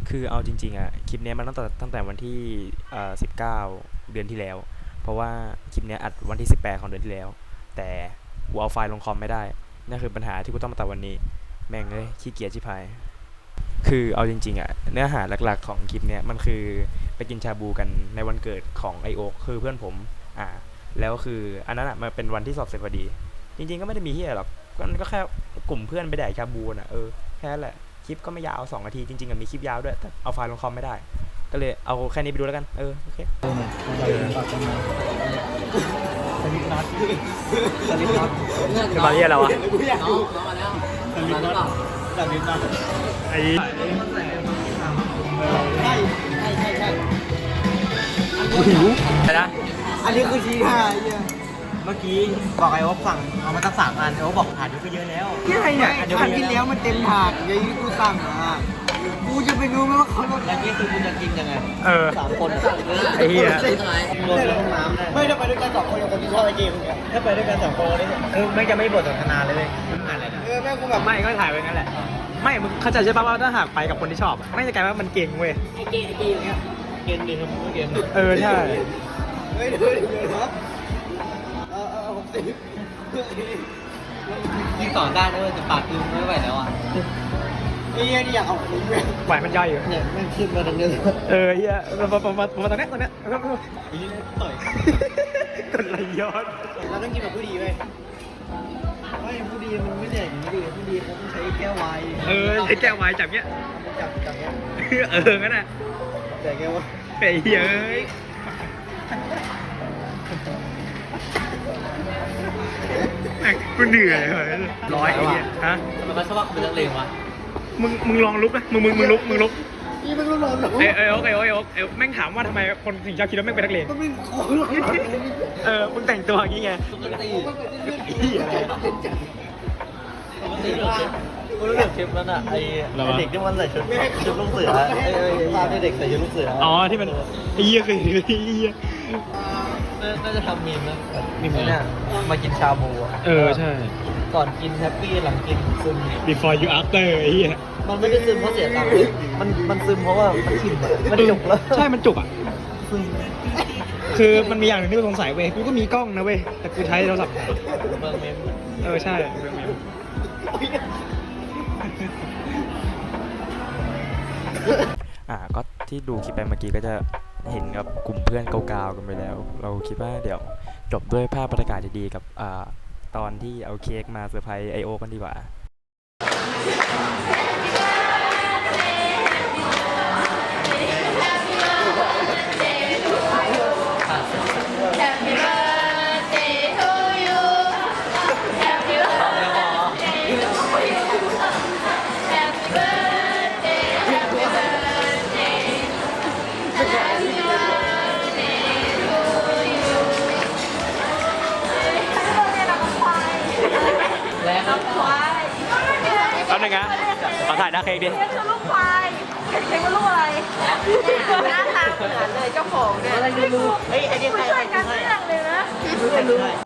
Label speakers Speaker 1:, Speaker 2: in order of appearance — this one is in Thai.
Speaker 1: คือเอาจริงๆอ่ะคลิปนี้มันตั้งแต่วันที่19เดือนที่แล้วเพราะว่าคลิปนี้อัดวันที่18ของเดือนที่แล้วแต่กูเอาไฟล์ลงคอมไม่ได้นี่คือปัญหาที่กูต้องมาตัดวันนี้แม่งเลยขี้เกียจชิบหายคือเอาจริงๆอ่ะเนื้อหาหลักๆของคลิปเนี้ยมันคือไปกินชาบูกันในวันเกิดของไอโอคือเพื่อนผมแล้วคืออันนั้นอ่ะมันเป็นวันที่สอบเสร็จพอดีจริงๆก็ไม่ได้มีเฮียหรอกก็แค่กลุ่มเพื่อนไปแดกชาบูน่ะแค่นั้นแหละคลิปก็ไม่ยาว2 นาทีจริงๆมีคลิปยาวด้วยแต่เอาไฟล์ลงคอมไม่ได้ก็เลยเอาแค่นี้ไปดูแล้วกันโอเค
Speaker 2: สลิปน็อต
Speaker 1: มาเรียกเราอะ
Speaker 3: น้องมาแล้วมาแล้วเปล่า
Speaker 2: สลิปน็อต
Speaker 1: ไอ้หิวนะ
Speaker 2: อันนี้คือทีท่าเนี่ยเมื่อกี้บอกไอ้ว่าสั่งเอามาตั้ง3 อันไอ้ว่าบอกถาดนี้ก็เยอะแล้วที่ไหนเนี่ยถาดที่แล้วมันเต็มถาดไงกูสั่งกูจะไปรู้ไหมว่าเขาลดแล้วนี่คือกูจะกินยังไง3 คน
Speaker 1: ไอ้เหี้ย
Speaker 2: รวมในห้องน้ำไม่ถ้าไปด้วยกัน2 คนกับคนที่ชอบไอ้เกมเนี่ยถ้าไปด้วยกัน2 คนนี่คือไม่จะไม่บทสนทนาเลยอะไรนะแม่กูแบบไม่ก็ถ่ายไปงั้นแหละ
Speaker 1: ไม่มึงเข้าใจใช่ป่ะว่าถ้าหากไปกับคนที่ชอบไม่จะกลายว่ามันเก่งเว้ย
Speaker 3: ไอ้เกย์อย่างเงี้ย
Speaker 2: เกมดีครับเกม
Speaker 1: ใช่
Speaker 2: เฮ้ยเดี๋ยวครับผมสิยิ่งต่อได้ด้วยแต่ปากคือไม่ไหวแล้วอ่ะไอ้เหี้ยนี่อยากเอาคุ้มเลย
Speaker 1: ไหวมันย่อยอยู่
Speaker 2: เนี่ยมันขึ้นมาตรงนี้
Speaker 1: เหี้ยมาตรงเนี้ย
Speaker 2: ไอ้นี่ต่อย
Speaker 1: กดไหลย้อน
Speaker 2: เราต้องกินแบบผู้ดีเว้ยไม่ผู้ดีมันไม่ได้อย่างนี้ดิผู้ดีเขาต้องใช้แก้วไวน์
Speaker 1: ใช้แก้วไวน์จับเนี้ย
Speaker 2: จับเนี้ย
Speaker 1: งั้นน่ะ
Speaker 2: แต่แก้วว่า
Speaker 1: ไอ้เหี้ยกูเหนื่อยเลยร้อยไอ้เหี้ยฮะ
Speaker 3: มันก็ชอบเป็นนักเลงวะ
Speaker 1: มึงลองลุกนะมึงลุก
Speaker 2: นี่มันก็ร้อนหรอ
Speaker 1: โอ๊กแม่งถามว่าทำไมคนถึงชอบคิดว่าแม่งเป็นนักเลง
Speaker 2: ก็ไม่ขอหรอก
Speaker 1: มึงแต่งตัวอย่างงี้ไง
Speaker 3: ปกติกูรู้จักคลิปนั้นอ่ะไอ้เด็กที่มันใส่ชุดลูกเสือภาพที่เด็กใส่ชุดลูกเสือ
Speaker 1: ที่มันไอ้เหี้ยคือไอ้เหี้ย
Speaker 3: น่าจะทำมีมนะเนี่ยมากินชาบู
Speaker 1: ใช่
Speaker 3: ก่อนกินแฮปปี้หลังกินซึม
Speaker 1: before you after ไอ้เหี้ย
Speaker 3: มันไม่ได้ซึมเพราะเสียตังค์มันซึมเพราะว่ามันชิมอ่ะมันจุกแล้ว
Speaker 1: ใช่มันจุกอ่ะคือมันมีอย่างหนึ่งที่กูสงสัยเว้ยกูก็มีกล้องนะเว้ยแต่กูใช้โทรศัพท์
Speaker 3: เบิร์เมม
Speaker 1: ใช่เบิร์เมมก็ที่ดูคลิปไปเมื่อกี้ก็จะเห็นกับกลุ่มเพื่อนเก่าๆกันไปแล้วเราคิดว่าเดี๋ยวจบด้วยภาพบรรยากาศดีๆกับตอนที่เอาเค้กมาเซอร์ไพรส์ไอโอกันดีกว่าแป๊บนึงนะขอถ่ายหน้าเค้กดิ
Speaker 4: เค้กคือลูกควายเค้กเป็นลูกอะไรหน้าตาเหมือนเลยเจ้าของเนี่ย
Speaker 3: อะไรดูเฮ้ยไอเดียใคร
Speaker 4: ช่วยกันเรื่องเลยนะ